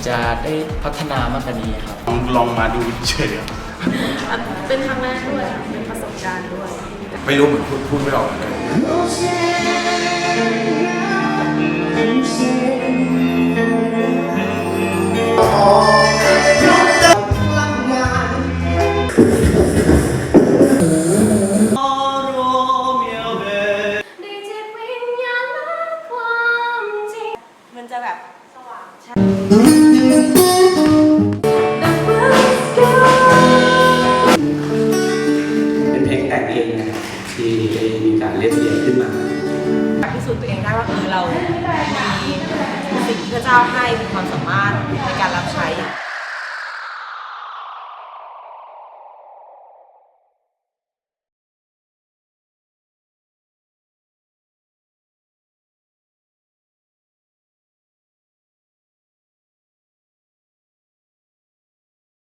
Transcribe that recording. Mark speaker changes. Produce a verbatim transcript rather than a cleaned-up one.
Speaker 1: จะได้พัฒนามากกว่านี้ครับ
Speaker 2: ลองลองมาดูเฉย
Speaker 3: เป็นครั้งแรกด้วยค่ะเป็นประสบการณ์ด้วย
Speaker 4: ไม่รู้เหมือนพูดพูดไม่ออกเลย
Speaker 3: มันจะแบบสว่าง
Speaker 5: เป็นเพลงแต่งเองนะครับที่มีการเล่นเรียนขึ้นมา
Speaker 3: พิสูจน์ตัวเองได้ว่าเออเรามีสิ่งที่พระเจ้าให้มีความสามารถในการรับใช้